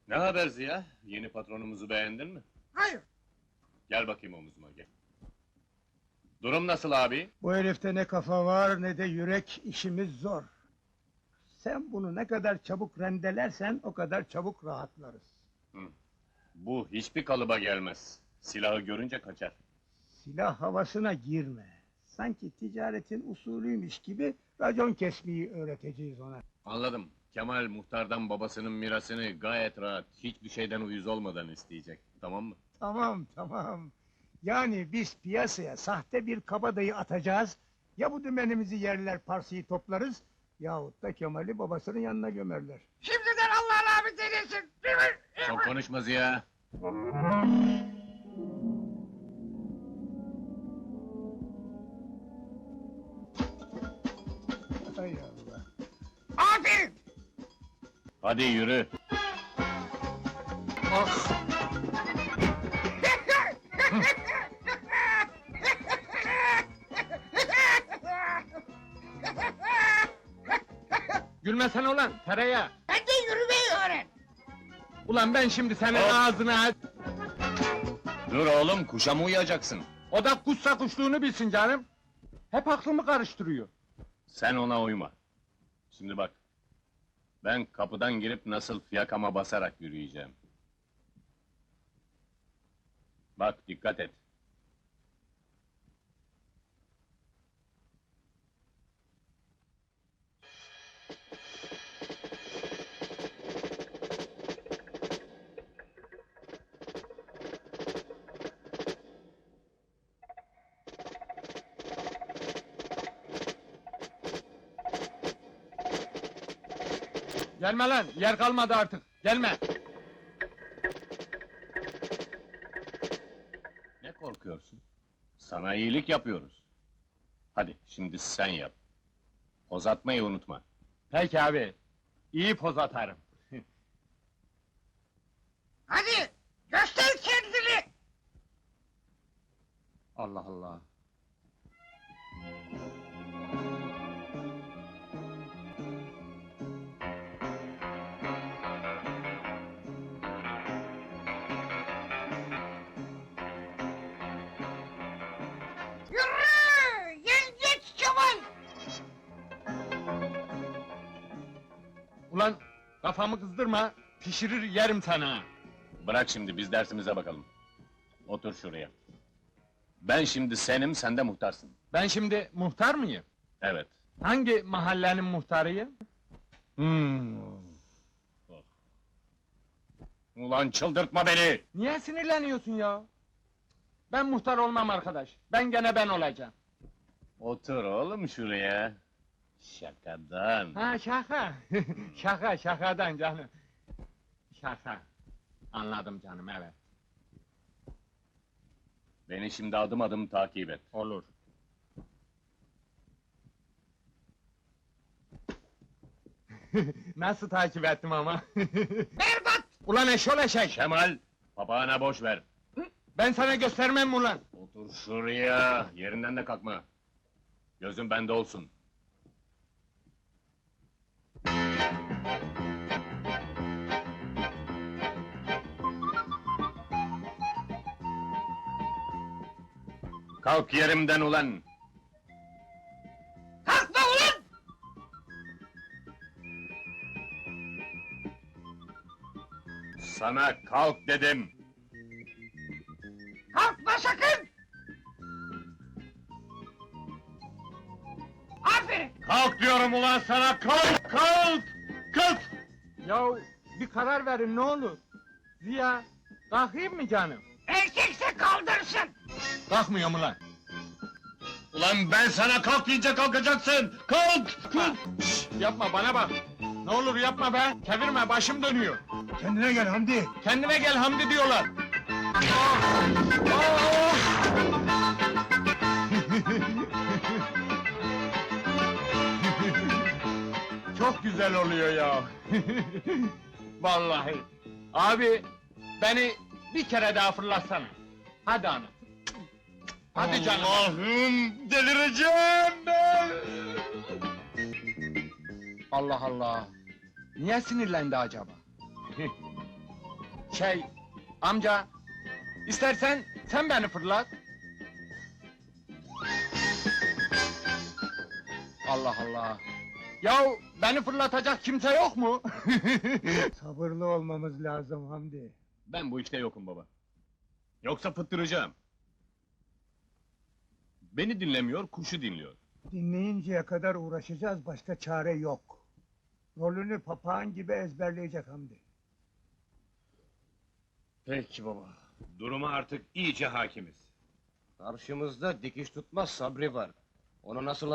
Ne haber Ziya? Yeni patronumuzu beğendin mi? Hayır, Gel bakayım omuzuma gel. Durum nasıl abi? bu herifte ne kafa var ne de yürek, işimiz zor. Sen bunu ne kadar çabuk rendelersen o kadar çabuk rahatlarız. Bu hiçbir kalıba gelmez. Silahı görünce kaçar. Silah havasına girme. Sanki ticaretin usulüymüş gibi racon kesmeyi öğreteceğiz ona. Anladım. Kemal muhtardan babasının mirasını gayet rahat, hiçbir şeyden uyuz olmadan isteyecek. Tamam mı? Tamam. Yani biz piyasaya sahte bir kabadayı atacağız. Ya bu dümenimizi yerler, parsayı toplarız... ...yahut da Kemal'i babasının yanına gömerler. Şimdiden Allah'ın abi delisin, değil mi? Çok konuşma Ziya. Hay Allah! Aferin! Hadi yürü. Ah! Gülmesene ulan tereyağı! Sen de yürümeyi öğren! Ulan ben şimdi senin Hop! ağzını aç! Dur oğlum, kuşa mı uyacaksın? O da kuşsa kuşluğunu bilsin canım! Hep aklımı karıştırıyor. Sen ona uyma. Şimdi bak. Ben kapıdan girip nasıl fiyakama basarak yürüyeceğim. Bak, dikkat et. Gelme lan, yer kalmadı artık, gelme! Ne korkuyorsun? Sana iyilik yapıyoruz. Hadi, şimdi sen yap. Poz atmayı unutma. Peki abi, iyi poz atarım. Hadi, göster kendini! Allah Allah! Yürü! Yengeç Kemal! Ulan, kafamı kızdırma, pişirir yerim sana! Bırak şimdi, biz dersimize bakalım. Otur şuraya. Ben şimdi senim, sen de muhtarsın. Ben şimdi muhtar mıyım? Evet. Hangi mahallenin muhtarıyım? Ulan çıldırtma beni! Niye sinirleniyorsun ya? Ben muhtar olmam arkadaş, ben gene ben olacağım. Otur oğlum şuraya. Şakadan. Ha şaka! Şakadan canım! Şaka! Anladım canım, evet. Beni şimdi adım adım takip et. Olur. Nasıl takip ettim ama? Berbat! Ulan eşol eşek! Kemal, papağana boş ver. Ben sana göstermem mi ulan? Otur şuraya, yerinden de kalkma. Gözün bende olsun. Kalk yerimden ulan! Kalkma ulan! Sana kalk dedim! Kalkma sakın! Aferin! Kalk diyorum ulan sana, kalk, kalk! Kalk! Ya bir karar verin ne olur. Ziya, kalkayım mı canım? Erkekse kaldırsın! Kalkmıyorum ulan. Ulan ben sana kalk deyince kalkacaksın! Kalk! Kalk! Yapma bana bak. Ne olur yapma be. Çevirme başım dönüyor. Kendine gel Hamdi! Kendine gel Hamdi diyorlar. Ah! Ah! Çok güzel oluyor ya. Vallahi. Abi beni bir kere daha fırlatsana. Hadi ana. Hadi canım. Allah'ım delireceğim ben! Allah Allah. Niye sinirlendi acaba? Amca, istersen sen beni fırlat. Allah Allah! Yahu beni fırlatacak kimse yok mu? Sabırlı olmamız lazım Hamdi. Ben bu işte yokum baba. Yoksa fıttıracağım. Beni dinlemiyor, kuşu dinliyor. Dinleyinceye kadar uğraşacağız, başka çare yok. Rolünü papağan gibi ezberleyecek Hamdi. Peki baba. Duruma artık iyice hakimiz. Karşımızda dikiş tutmaz Sabri var. Onu nasıl